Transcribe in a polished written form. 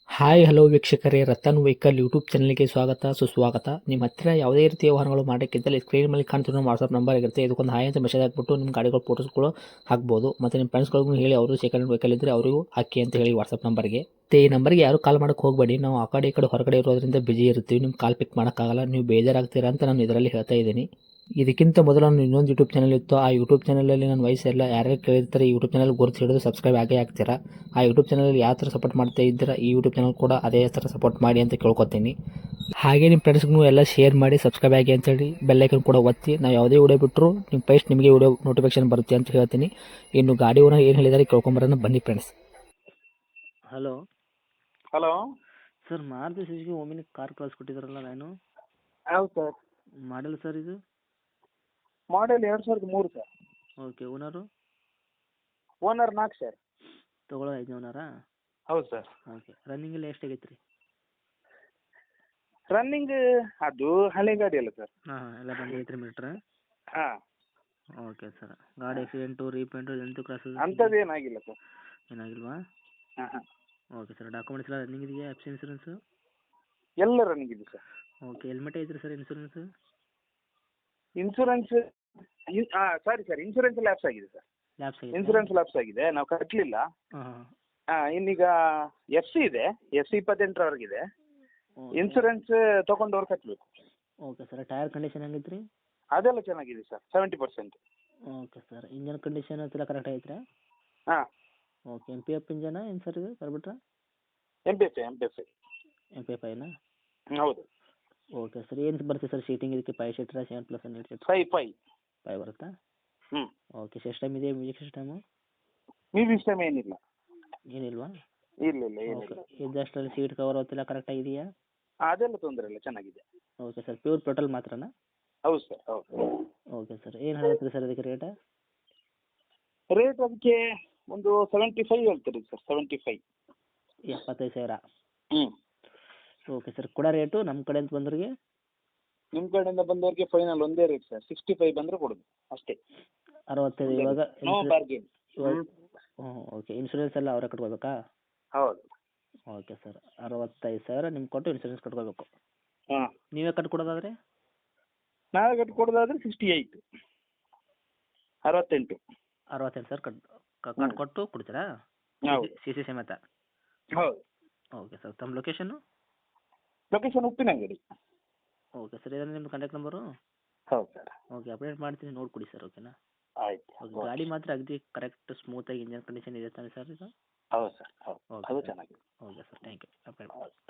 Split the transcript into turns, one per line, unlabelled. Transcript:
Hi hello ವೀಕ್ಷಕರೇ, Ratan vehicle YouTube ಚಾನಲ್ಗೆ ಸ್ವಾಗತ ಸುಸ್ವಾಗತ. ನಿಮ್ಮ ಹತ್ತಿರ ಯಾವುದೇ ರೀತಿಯ ವಾಹನಗಳು ಮಾಡೋಕ್ಕಿದ್ದಲ್ಲಿ ಸ್ಕ್ರೀನ್ ಮೇಲೆ ಕಾಣ್ತಿರೋ ವಾಟ್ಸಪ್ ನಂಬರ್ ಇರುತ್ತೆ. ಇದಕ್ಕೊಂದು ಹಾಯ್ ಅಂತ ಮೆಸೇಜ್ ಹಾಕ್ಬಿಟ್ಟು ನಿಮ್ಮ ಗಾಡಿಗಳ ಫೋಟೋಸ್ಗಳು ಹಾಕ್ಬೋದು. ಮತ್ತು ನಿಮ್ಮ ಫ್ರೆಂಡ್ಸ್ಗಳಿಗೂ ಹೇಳಿ, ಅವರು ಸೆಕೆಂಡ್ ವೆಹಿಕಲ್ ಇದ್ದರೆ ಅವರಿಗೂ ಹಾಕಿ ಅಂತ ಹೇಳಿ ವಾಟ್ಸಪ್ ನಂಬರ್ಗೆ. ಈ ನಂಬರ್ಗೆ ಯಾರು ಕಾಲ್ ಮಾಡೋಕ್ಕೆ ಹೋಗಬೇಡಿ. ನಾವು ಆ ಕಡೆ ಈ ಕಡೆ ಹೊರಗಡೆ ಇರೋದ್ರಿಂದ ಬಿಜಿ ಇರ್ತೀವಿ. ನಿಮ್ಮ ಕಾಲ್ ಪಿಕ್ ಮಾಡೋಕ್ಕಾಗಲ್ಲ, ನೀವು ಬೇಜಾರಾಗ್ತೀರಾ ಅಂತ ನಾನು ಇದರಲ್ಲಿ ಹೇಳ್ತಾ ಇದ್ದೀನಿ. ಇದಕ್ಕಿಂತ ಮೊದಲು ನಾನು ಇನ್ನೊಂದು ಯೂಟ್ಯೂಬ್ ಚಾನಲ್ ಇತ್ತು. ಆ ಯೂಟ್ಯೂಬ್ ಚಾನಲಲ್ಲಿ ನನ್ನ ವಯಸ್ಸೆಲ್ಲ ಯಾರ್ಯಾರು ಕೇಳಿರ್ತಾರೆ ಈ ಯೂಟ್ಯೂಬ್ ಚಾನಲ್ ಗುರುತು ಹಿಡಿದು ಸಬ್ಸ್ಕ್ರೈಬ್ ಆಗೇ ಆಗ್ತೀರಾ. ಆ ಯೂಟ್ಯೂಬ್ ಚಾನಲಲ್ಲಿ ಯಾವ ಥರ ಸಪೋರ್ಟ್ ಮಾಡ್ತಾ ಇದ್ದೀರಾ, ಈ ಯೂಟ್ಯೂಬ್ ಚಾನಲ್ ಕೂಡ ಅದೇ ಥರ ಸಪೋರ್ಟ್ ಮಾಡಿ ಅಂತ ಕೇಳ್ಕೊತೀನಿ. ಹಾಗೆ ನಿಮ್ಮ ಫ್ರೆಂಡ್ಸ್ಗೂ ಎಲ್ಲ ಶೇರ್ ಮಾಡಿ, ಸಬ್ಸ್ಕ್ರೈಬ್ ಆಗಿ ಅಂತೇಳಿ ಬೆಲ್ಲೈಕನ್ ಕೂಡ ಒತ್ತಿ. ನಾವು ಯಾವುದೇ ವಿಡಿಯೋ ಬಿಟ್ಟರು ನಿಮ್ಮ ಫಸ್ಟ್ ನಿಮಗೆ ವಿಡಿಯೋ ನೋಟಿಫಿಕೇಶನ್ ಬರುತ್ತೆ ಅಂತ ಹೇಳ್ತೀನಿ. ಇನ್ನು ಗಾಡಿ ಓನರ್ ಏನು ಹೇಳಿದಾರೆ ಕೇಳ್ಕೊಂಬರೋಣ ಬನ್ನಿ friends.
Hello
hello
sir, Maruti Suzuki Omni car ಕಳಿಸ್ಕೊಟ್ಟಿದ್ರಲ್ಲ ನಾನು.
ಹೌದು ಸರ್.
ಮಾಡಲ್ ಸರ್ ಇದು?
Model 2003 sir.
Okay. Owner?
Owner 4 sir.
ತೊಗೊಳ್ಳೋ 5ನೇ ಓನರಾ?
ಹೌದು ಸರ್.
ಓಕೆ. ರನ್ನಿಂಗ್ ಎಲ್ಲ ಎಷ್ಟಾಗೈತೆ ರೀ?
ರನ್ನಿಂಗ್ ಅದು ಹಳೆ ಗಾಡಿ ಅಲ್ಲ ಸರ್.
ಹಾಂ ಎಲ್ಲ ಬಂದೈತೆ ರೀ ಮೀಟ್ರ್?
ಹಾಂ,
ಓಕೆ ಸರ್. ಗಾಡಿ ಆಕ್ಸಿಡೆಂಟು ರೀಪೇಂಟು ಎಂಟು ಕ್ರಾಸಸ್
ಅಂಥದ್ದು ಏನಾಗಿಲ್ಲ ಸರ್.
ಏನಾಗಿಲ್ವಾ?
ಹಾಂ ಹಾಂ,
ಓಕೆ ಸರ್. ಡಾಕ್ಯುಮೆಂಟ್ಸ್ ಎಲ್ಲ ರನ್ನಿಂಗ್ ಇದೆಯಾ? F C insurance?
ಎಲ್ಲ ರನ್ನಿಂಗ್ ಇದೆ ಸರ್.
ಓಕೆ. ಹೆಲ್ಮೆಟ್ ಐತ್ರಿ sir insurance?
Insurance sorry sir, insurance lapse ಆಗಿದೆ ಸರ್.
ಲ್ಯಾಬ್ಸ್ ಆಗಿದೆ?
ಇನ್ಶೂರೆನ್ಸ್ ಲ್ಯಾಪ್ಸ್ ಆಗಿದೆ, ನಾವು ಕಟ್ಟಲಿಲ್ಲ.
ಹಾಂ ಹಾಂ.
ಇನ್ನೀಗ FC ಇದೆ, FC 28ರವರೆಗಿದೆ. ಇನ್ಶೂರೆನ್ಸ್ ತೊಗೊಂಡವ್ರು ಕಟ್ಟಬೇಕು.
Okay sir. ಟೈರ್ ಕಂಡೀಷನ್ ಹೆಂಗೈತೆ ರೀ?
ಅದೆಲ್ಲ ಚೆನ್ನಾಗಿದೆ sir, 70%.
Okay sir. Engine condition ಎಲ್ಲ ಕರೆಕ್ಟ್ ಐತ್ರಾ?
ಹಾಂ,
ಓಕೆ. MPF ಇಂಜನ ಏನು ಸರ್ ಇದು ಬರ್ಬಿಟ್ರಾ?
MPF.
MPF ಐನಾ?
ಹೌದು.
Okay sir. ಏನು ಬರುತ್ತೆ ಸರ್ ಸೀಟಿಂಗ್ ಇದಕ್ಕೆ? 5 ಸೀಟ್ರಾ 7+8 ಸೀಟ್?
5.
5 ಬರುತ್ತಾ?
ಹ್ಞೂ.
ಓಕೆ. ಸಿಸ್ಟಮ್ ಇದೆ, ಮ್ಯೂಸಿಕ್ ಸಿಸ್ಟಮು?
ಮ್ಯೂಸಿಕ್ ಸಿಸ್ಟಮ್ ಏನಿಲ್ಲ.
ಏನಿಲ್ವಾ?
ಇಲ್ಲ
ಓಕೆ.
ಏನಿಲ್ಲ.
ಇದಷ್ಟರಲ್ಲಿ ಸೀಟ್ ಕವರ್ ಅವತ್ತೆಲ್ಲ ಕರೆಕ್ಟಾಗಿ ಇದೆಯಾ?
ಅದೆಲ್ಲ ತೊಂದರೆ ಇಲ್ಲ, ಚೆನ್ನಾಗಿದೆ.
Okay sir. ಪ್ಯೂರ್ ಪೆಟ್ರೋಲ್ ಮಾತ್ರನಾ?
ಹೌದು ಸರ್, ಹೌದು.
Okay sir. ಏನು ಹೇಳ್ತೀರಿ ಸರ್ ಇದಕ್ಕೆ ರೇಟ?
ರೇಟ್ ಅದಕ್ಕೆ ಒಂದು 75 ಹೇಳ್ತೀರಿ ಸರ್, 75.
75,000?
ಹ್ಞೂ.
Okay sir. ಕೊಡೋ ರೇಟು ನಮ್ಮ ಕಡೆಯಿಂದ ಬಂದವ್ರಿಗೆ?
ನಿಮ್ಮ ಕಡೆಯಿಂದ ಬಂದವ್ರಿಗೆ ಫೈನಲ್ ಒಂದೇ ರೇಟ್ ಸರ್, 65 ಬಂದರೆ ಕೊಡೋದು ಅಷ್ಟೇ.
65 ಇವಾಗ?
No bargain.
ಹ್ಞೂ. ಓಕೆ. ಇನ್ಶೂರೆನ್ಸ್ ಎಲ್ಲ ಅವರೇ ಕಟ್ಕೋಬೇಕಾ?
ಹೌದು.
Okay sir. 65,000 ನಿಮ್ಗೆ ಕೊಟ್ಟು ಇನ್ಶೂರೆನ್ಸ್ ಕಟ್ಕೋಬೇಕು.
ಹಾಂ,
ನೀವೇ ಕಟ್ಕೊಡೋದಾದರೆ?
ನಾವೇ ಕಟ್ಟಿ ಕೊಡೋದಾದ್ರೆ 68. 68.
68,000 ಕಟ್ಕೊಟ್ಟು ಕೊಡ್ತೀರಾ?
ಹೌದು.
ಸಿ ಸಿ ಸಮೇತ?
ಹೌದು.
Okay sir. ತಮ್ಮ location?
Location Uppinangadi.
Okay sir. ಇದನ್ನು ನಿಮ್ಮ ಕಾಂಟ್ಯಾಕ್ಟ್ ನಂಬರು?
ಹೌದು ಸರ್.
ಓಕೆ. ಅಪ್ಡೇಟ್ ಮಾಡ್ತೀನಿ, ನೋಡಿಕೊಡಿ ಸರ್. ಓಕೆನಾ?
ಆಯ್ತು.
ಓಕೆ. ಗಾಡಿ ಮಾತ್ರ ಅಗದಿ ಕರೆಕ್ಟ್ ಸ್ಮೂತಾಗಿ ಇಂಜನ್ ಕಂಡೀಷನ್ ಇದೆ ತಾನೆ ಸರ್ ಇದು?
ಹೌದು ಸರ್, ಹೌದು.
ಓಕೆ
ಅದು
ಸರ್.
ಚೆನ್ನಾಗಿದೆ.
Okay sir. Thank you. Update
ಹೌದು.